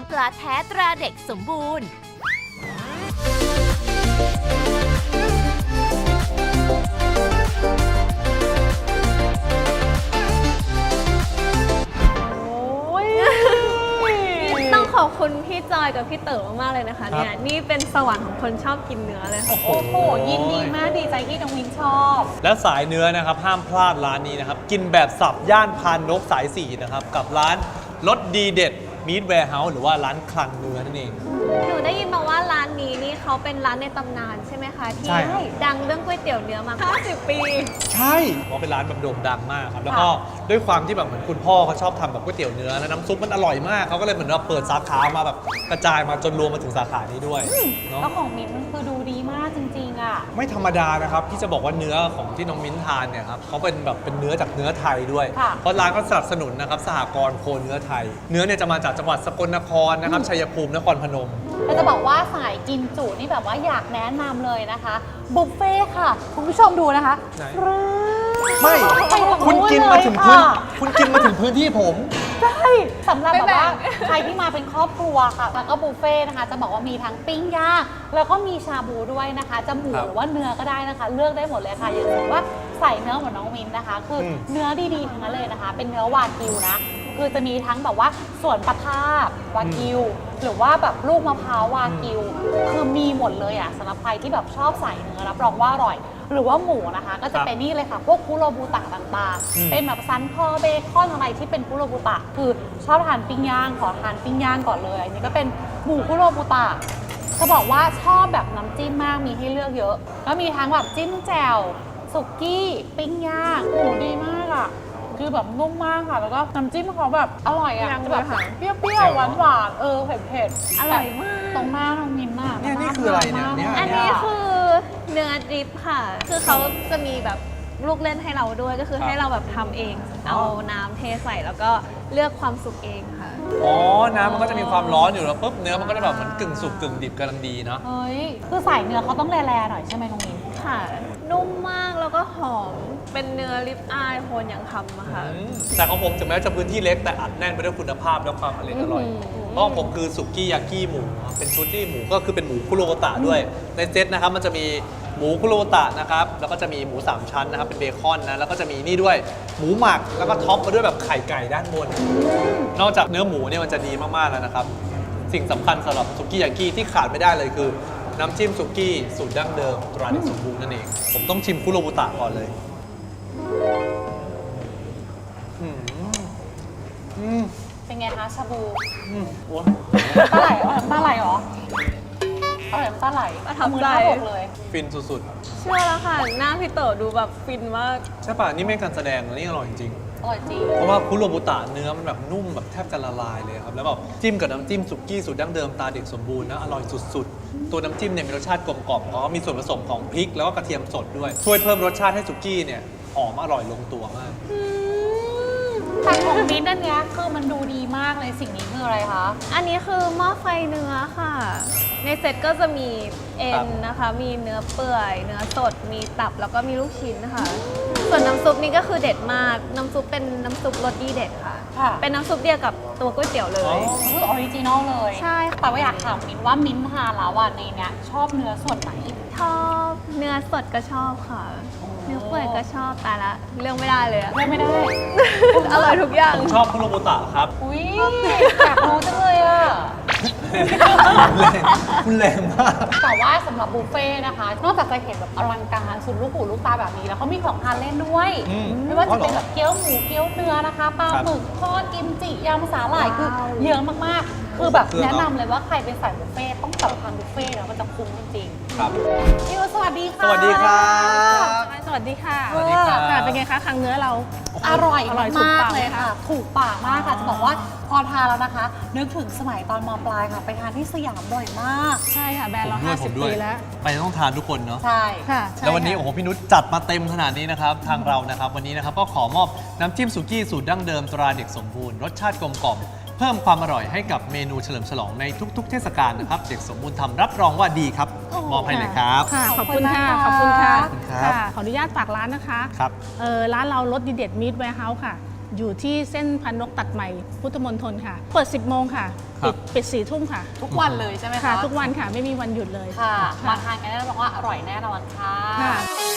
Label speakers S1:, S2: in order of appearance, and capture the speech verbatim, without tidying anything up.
S1: ปลาแท้ตราเด็กสมบูรณ์
S2: ต้องขอบคุณพี่จอยกับพี่เต๋อมากๆเลยนะคะเนี่ยนี่เป็นสวรรค์ของคนชอบกินเนื้อเลยค่ะ
S3: โอ้โหยินดีมากดีใจที่น้องมินชอบ
S4: และสายเนื้อนะครับห้ามพลาดร้านนี้นะครับกินแบบสับย่านพานนกสายสี่นะครับกับร้านรสดีเด็ดมีทแวร์เฮาส์หรือว่าร้านคลังเนื้อนั่นเอง
S2: หนูได้ยินมาว่าร้านนี้นี่เขาเป็นร้านในตำนานใช่ไหมคะที่
S4: ใช่ครับ
S2: ดังเรื่องก๋วยเตี๋ยวเนื้อมาห้าสิบปี
S4: ใช่เพราะเป็นร้านแบบโด่งดังมากครับแล้วก็ด้วยความที่แบบเหมือนคุณพ่อเขาชอบทำแบบก๋วยเตี๋ยวเนื้อแล้วน้ำซุปมันอร่อยมากเขาก็เลยเหมือนว่าเปิดสาขามาแบบกระจายมาจนรวมมาถึงสาขานี้ด้วยเนาะ
S3: แล้วของมินมันคือดูดีมากจริงๆอ่ะ
S4: ไม่ธรรมดานะครับที่จะบอกว่าเนื้อของที่น้องมิ้นทานเนี่ยครับเขาเป็นแบบเป็นเนื้อจากเนื้อไทยด้วย
S3: ค่ะ
S4: เพราะร้านก็สนับสนุนนะครับสหกรณ์โคเนื้อไทย เนื้อเนี่ยจะมาจากจังหวัดสกลนครนะครับชัยภูมินครพนม
S3: เราจะบอกว่าสายกินจุนี่แบบว่าอยากแนะนำเลยนะคะบุฟเฟ่ค่ะ คุณผู้ชมดูนะคะ
S4: ไหน
S3: ฟรึ๊ด
S4: ไม่
S3: ไปฝั่
S4: คุณกินมาถึงพื้น
S3: เลยค่ะ
S4: คุณกินมาถึงพื้นที่ผม
S3: ใช่สำหรับ
S2: ไม่
S3: แบบ
S2: แบ่ง
S3: ว่าใครที่มาเป็นครอบครัวค่ะแล้วก็บุฟเฟ่ต์นะคะ จะบอกว่ามีทั้งปิ้งย่างแล้วก็มีชาบูด้วยนะคะจะหมู
S4: ครับ
S3: หรือว่าเนื้อก็ได้นะคะ เลือกได้หมดเลยค่ะอย่างสมมติว่าใส่เนื้อเหมือนน้องมินนะคะ คืออ
S4: ม
S3: เนื้อดีๆทั้งนั้นเลยนะคะ เป็นเนื้อวากิวนะคือจะมีทั้งแบบว่าส่วนปลาทาบวากิว หรือว่าแบบลูกมะพร้าววากิว คือมีหมดเลยอ่ะสำหรับใครที่แบบชอบใส่เนื้อรับรองว่าอร่อย หรือว่าหมูนะคะ ก็จะเป็นนี่เลยค่ะ พวกคุโรบุตะต่างๆ เป็นแบบซันคอเบคอนอะไรที่เป็นคุโรบุตะ คือชอบทานปิ้งย่างขอทานปิ้งย่างก่อนเลยอันนี้ก็เป็นหมูคุโรบุตะจะบอกว่าชอบแบบน้ำจิ้มมากมีให้เลือกเยอะแล้วมีทั้งแบบจิ้มแจ่วสุกี้ปิ้งย่างหมูดีมากอ่ะคือแบบนุ่มมากค่ะแล้วก็น้ำจิ้มเขาแบบอร่อยอ่ะ
S2: ยัง
S3: จะแบบ
S2: เลยค่ะ
S3: เปรี้ยวๆหวานๆเออเผ็ดๆ
S2: อร่อยมาก
S3: ตรงหน้าน้องมินน่ะ
S4: เนี่ยนี่คืออะไรเนี่ยเนี่ย
S2: อันนี้คือเนื้อดริปค่ะ คือเขาจะมีแบบลูกเล่นให้เราด้วยก็คือให้เราแบบทำเอง เอาน้ำเทใส่แล้วก็เลือกความสุกเองค่ะ
S4: อ๋อน้ำมันก็จะมีความร้อนอยู่แล้วปุ๊บเนื้อมันก็จะแบบเหมือนกึ่งสุกกึ่งดิบกำลังดีเนาะ
S3: เฮ้ยคือใส่เนื้อเขาต้องแร่ๆหน่อยใช่ไหมน้องมิน
S2: ค่ะ นุ่มมากแล้วก็หอมเป็นเนื้อริบอายโคนอย่างทำอะค่ะ
S4: อืมแต่ของผมถึงแม้จะพื้นที่เล็กแต่อัดแน่นไปด้วยคุณภาพและความอร่อยอร่อย
S2: อื้อหือ
S4: เพราะของผมคือสุกี้ยากิหมูครับเป็นชุดที่หมูก็คือเป็นหมูคุโรโบตะด้วย ในเซตนะครับมันจะมีหมูคุโรโบตะนะครับแล้วก็จะมีหมูสามชั้นนะครับเป็นเบคอนนะแล้วก็จะมีนี่ด้วยหมูหมักแล้วก็ท็อปมาด้วยแบบไข่ไก่ด้านบน นอกจากเนื้อหมูเนี่ยมันจะดีมากๆแล้วนะครับสิ่งสำคัญสำหรับสุกี้ยากิที่ขาดไม่ได้เลยคือน้ำจิ้มสุกี้สูตรดั้งเดิมตราเด็กสมบูรณ์นั่นเองผมต้องชิมคุโรโบตะก่อนเลยอืมอืม
S3: เป็นไงคะชาบู
S4: อืมโอ้
S3: ตาไหลเหรอตาไหลเหรออร่อยตาไหล
S2: ประทับ
S3: มือ
S2: ใจ
S3: หน้าอกเลย
S4: ฟินสุด
S2: เชื่อแล้วค่ะ หน้าพี่เต๋อดูแบบฟินมาก
S4: ๆ ใช่ป่ะ นี่ไม่การแสดงนะนี่อร่อยจริง
S3: อร่อยจริง
S4: เพราะว่าคุโรบุตะเนื้อมันแบบนุ่มแบบแทบจะละลายเลยครับ แล้วแบบจิ้มกับน้ำจิ้มสุกี้สูตรดั้งเดิมตาเด็กสมบูรณ์นะอร่อยสุดๆ ตัวน้ำจิ้มเนี่ยมีรสชาติกลมกล่อมเพราะว่ามีส่วนผสมของพริกแล้วก็กระเทียมสดด้วย ช่วยเพิ่มรสชาติให้สุกี้เนี่ยหอมอร่อยลงตัวมาก
S3: แต่ของมิ้นท์อันเนี้ยคือมันดูดีมากเลยสิ่งนี้คืออะไรคะ
S2: อันนี้คือหม้อไฟเนื้อค่ะ ในเซ็ตก็จะมีเอ็
S4: ครั
S2: น
S4: บ
S2: นะคะ มีเนื้อเปื่อย เนื้อสด มีตับแล้วก็มีลูกชิ้นนะคะ ส่วนน้ำซุปนี่ก็คือเด็ดมาก น้ำซุปเป็นน้ำซุปรสดีเด็ดค่ะ
S3: ค่ะ
S2: เป็นน้ำซุปเดียวกับตัวก๋วยเตี๋ยวเลย
S4: อ๋อ
S3: คือออริจินอลเลย
S2: ใช่ค่ะ
S3: แต่ว่าอยากถามมิ้นท์ว่ามิ้นท์ทานแล้วอ่ะในเนี้ยชอบเนื้อส่วนไหน
S2: ชอบเนื้อสดก็ชอบค่ะ เนื้อเปื่อยก็ชอบแต่ละเรื่องไม่ได้เลยอะ
S3: เลือกไม่ได้
S2: อร่อยทุกอย่าง
S4: ผมชอบคุโรบุตะครับ
S3: อุ้ยอยากรู้จังเลยอ่ะ
S4: แรงคุณแรงมาก
S3: แต่ว่าสำหรับบุฟเฟ่ต์นะคะ นอกจากจะเห็นแบบอลังการสุดลูกหูลูกตาแบบนี้แล้วเขามีของทานเล่นด้วย
S4: อืม
S3: ไม่ว่าจะเป็น
S4: อ๋อเหรอ
S3: แบบเกี๊ยวหมูเกี๊ยวเนื้อนะคะปลา
S4: ครับ
S3: หมึกทอดกิมจิยำสาหร่ายคือ
S2: ว้าว
S3: เยอะมากๆ คือแบบ
S4: เครื่อง
S3: แนะ
S4: เน
S3: นำ
S4: อะ
S3: เลยว่าใครเป็นสายบุฟเฟ่ต์ต้องจับทานบุฟเฟ่ต์แล้วมันจะคุ้มจริง
S4: ครับ
S3: ๆพี่วสวัสดีค่ะ
S4: สวัสดีครับ
S5: สวัสดีค่ะ
S4: สวัสดีครับ
S5: ค่ะเป็นไงคะครั้งเนื้อเรา
S3: อร่อย
S5: อร่อยถูก
S3: มาก
S5: ปาก
S3: ๆ
S5: ไหม
S3: เลยค่ะ ถูกปากมากค่ะ จะบอกว่าพอทานแล้วนะคะ นึกถึงสมัยตอนมปลายค่ะ ไปทานที่สยามบ่อยมาก
S5: ใช่ค่ะแบรนด์เรา
S4: ผมด้วยผม
S5: ห้าสิบ
S4: ด้วย
S5: ปีแล้ว
S4: ไปต้องทานทุกคนเนาะ
S3: ใช่
S5: ค่ะใช่
S4: แล้ววันนี้
S5: ค่ะ
S4: โอ้โหพี่นุชจัดมาเต็มขนาดนี้นะครับ ทางเรานะครับวันนี้นะครับก็ขอมอบน้ำจิ้มสุกี้สูตรดั้งเดิมตราเด็กสมบูรณ์รสชาติกลมกล่อมเพิ่มความอร่อยให้กับเมนูเฉลิมฉลองในทุก ๆ เทศกาลนะครับ เด็กสมบูรณ์ทำรับรองว่าดีครับมอบให้เลยครับ
S5: ค่ะ ข
S3: ข
S5: อ
S3: อ
S5: บบ
S3: คุ
S5: คุณ
S3: ณ
S5: ค่ะ
S3: มาก
S5: ขอบคุณค่ะ
S3: ค่ะ
S4: ขอบคุณครับ
S5: ค่ะ ขออนุญาตฝากร้านนะคะ
S4: ครับ
S5: เออร้านเรารสดีเด็ดมิตรแวร์เฮาส์ค่ะอยู่ที่เส้นพันนกตัดใหม่พุทธมณฑลค่ะ เปิด สิบโมงค่ะ
S4: ครับ
S5: ปิดปิดสี่ทุ่มค่ะ
S3: ทุกวันเลยใช่ไหมคะ
S5: ค่ะ ทุกวันค่ะไม่มีวันหยุดเลย
S3: ค่ะ มาทานกันได้รับรองว่าอร่อยแน่นอนค่ะ
S5: ค่ะ